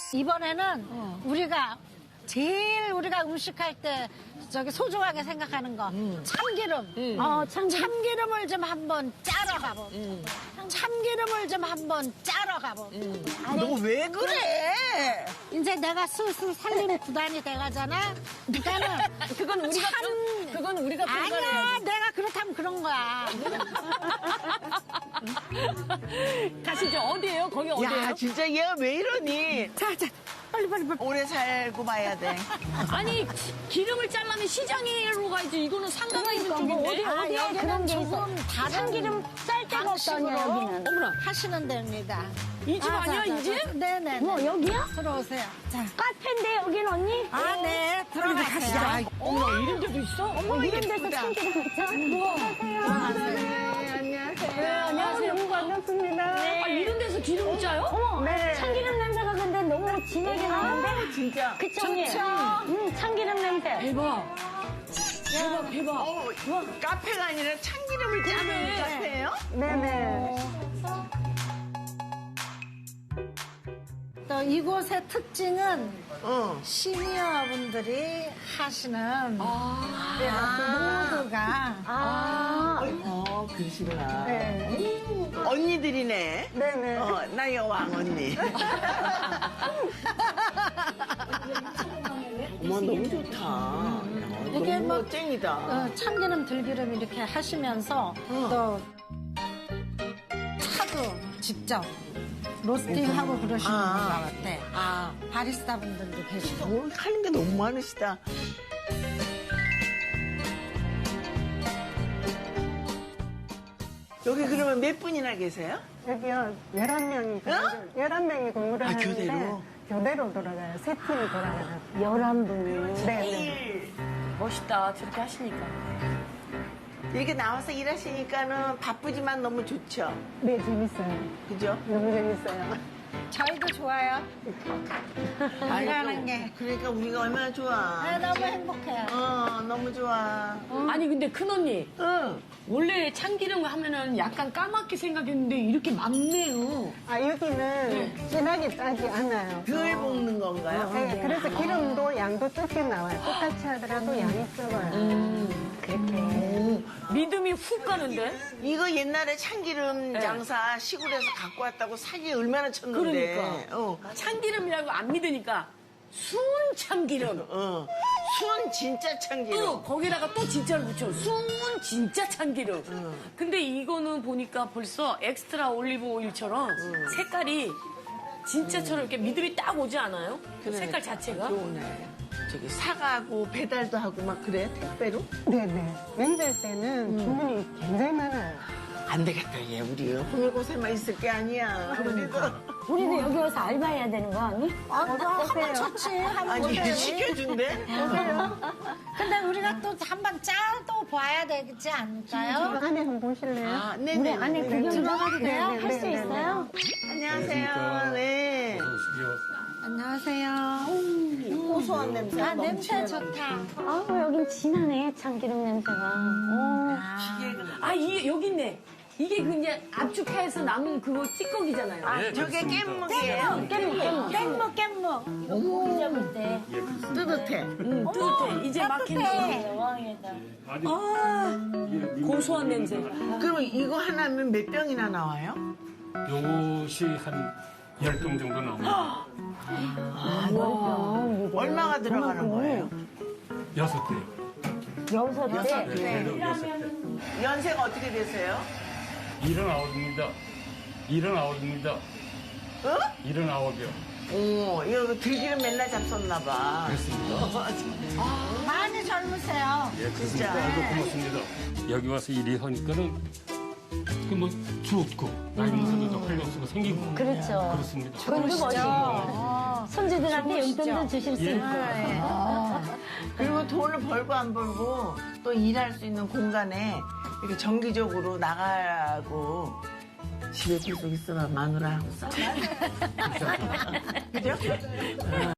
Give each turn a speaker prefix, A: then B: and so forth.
A: 이번에는 우리가 제일 우리가 음식할 때 저기 소중하게 생각하는 거 참기름. 참기름을 좀 한번 짜러 가보. 참기름을 좀 한번 짜러 가보.
B: 너 왜 그래?
A: 이제 내가 슬슬 살림 구단이 돼가잖아. 그러니까는
C: 그건 우리가
A: 아니야. 내가 그렇다면 그런 거야.
C: 가시죠. 어디예요? 거기 어디예요?
B: 야, 진짜 얘가 왜 이러니?
A: 자, 빨리.
B: 오래 살고 봐야 돼.
C: 아니 기름을 잘라면 시장으로 가야지. 이거는 상가가 있는 쪽인데.
A: 여기는 조금 다른
D: 참기름 쌀 데가 없다냐, 여기는.
C: 어머나,
A: 하시는 데입니다.
C: 이 집 아니야, 이 집?
A: 네네.
D: 뭐, 여기야?
A: 들어오세요. 자.
D: 카페인데, 여긴 언니?
A: 아, 네. 들어가세요.
C: 어머나, 이런 데도 있어? 어머,
D: 이런 데서 참기름 있죠?
C: 안녕하세요.
D: 너무 반갑습니다.
C: 아, 이런 데서 기름 짜요?
D: 어머, 참기름 냄새가 근데 너무 진하게 나는데?
B: 진짜.
D: 그쵸, 언니? 참기름 냄새.
C: 대박. 대박.
B: 카페가 아니라 참기름을 짜는 카페예요?
D: 네네.
A: 또 이곳의 특징은
B: 어.
A: 시니어분들이 하시는 모두가
B: 그러시구나.
D: 네.
B: 언니들이네.
D: 네네.
B: 나의 왕언니. 어머, 너무 좋다. 야,
A: 이게
B: 너무
A: 뭐,
B: 멋쟁이다.
A: 참기름 들기름 이렇게 하시면서 또 차도 직접 로스팅하고 그러시는 분 같아. 바리스타 분들도 계시고.
B: 뭘 하는 게 너무 많으시다. 여기 그러면 몇 분이나 계세요?
E: 여기요, 11명이, 11명이 근무를 하는데.
B: 교대로?
E: 교대로 돌아가요. 세 팀이 돌아가요.
D: 11분.
E: 네.
C: 멋있다. 저렇게 하시니까.
B: 이렇게 나와서 일하시니까는 바쁘지만 너무 좋죠.
E: 네, 재밌어요.
B: 그죠?
E: 너무 재밌어요.
A: 저희도 좋아요. 일하는 게.
B: 그러니까 우리가 얼마나 좋아.
A: 네, 너무 행복해요.
B: 너무 좋아.
C: 아니, 근데 큰언니.
B: 응.
C: 원래 참기름 하면은 약간 까맣게 생각했는데 이렇게 맑네요.
E: 아, 여기는 진하게 짜지 않아요.
B: 덜 볶는 건가요?
E: 네, 그래서 기름도 양도 적게 나와요. 똑같이 하더라도 양이 적어요. 그렇게.
C: 믿음이 훅 가는데?
B: 이거 옛날에 참기름 장사 시골에서 갖고 왔다고 사기 얼마나 쳤는데.
C: 그러니까. 참기름이라고 안 믿으니까 순 참기름.
B: 순 진짜 참기름.
C: 또 거기다가 또 진짜를 붙여. 순 진짜 참기름. 근데 이거는 보니까 벌써 엑스트라 올리브 오일처럼 색깔이 진짜처럼 이렇게 믿음이 딱 오지 않아요? 그
B: 그래.
C: 색깔 자체가?
B: 좋네. 저기 사가고 배달도 하고 막 그래? 택배로?
E: 네네. 명절 때는 주문이 굉장히 많아요.
B: 안 되겠다, 얘. 우리 호밀고생만 있을 게 아니야. 우리도.
D: 우리도 여기 와서 알바해야 되는 거 아니?
A: 한번 좋지. 한번
B: 아니,
A: 보세요.
B: 시켜준대?
A: 근데 우리가 또 한번 짜도 봐야 되지 않을까요?
E: 안에 한번 보실래요?
B: 아, 네네.
D: 안에 구경
A: 들어가도 돼요?
D: 할 수 있어요?
B: 안녕하세요. 네.
A: 안녕하세요.
B: 고소한 냄새.
A: 아, 냄새 좋다.
D: 아우, 여긴 진하네, 참기름 냄새가.
C: 아, 여기 있네. 이게 그냥 압축해서 남은 그거 찌꺼기잖아요.
B: 저게 깻묵이에요.
A: 깻묵.
D: 고기 잡을 때.
B: 뜨뜻해.
C: 뜨뜻해. 이제 막 했네.
D: 여왕에다.
C: 고소한 냄새.
B: 그럼 이거 하나면 몇 병이나 나와요?
F: 요것이 한 10병 정도 나옵니다.
B: 얼마가 들어가는 거예요?
F: 6대.
D: 6대.
F: 6대.
B: 연세가 어떻게 되세요?
F: 79입니다. 79입니다.
B: 어?
F: 79이요.
B: 오, 이거 들기름 맨날 잡섰나 봐.
F: 그렇습니다.
A: 많이 젊으세요.
F: 예,
B: 진짜.
F: 그렇습니다. 아이고, 고맙습니다. 여기 와서 일하니까는 뭐 좋고 나이 먹어도 활력소가 생기고
D: 그렇죠.
F: 그렇습니다.
D: 돈도 벌고. 손주들한테 용돈도 주실 수
F: 예.
D: 있고.
B: 그리고 돈을 벌고 안 벌고 또 일할 수 있는 공간에 이렇게 정기적으로 나가고 집에 계속 있으면 마누라하고 싸워. 그죠?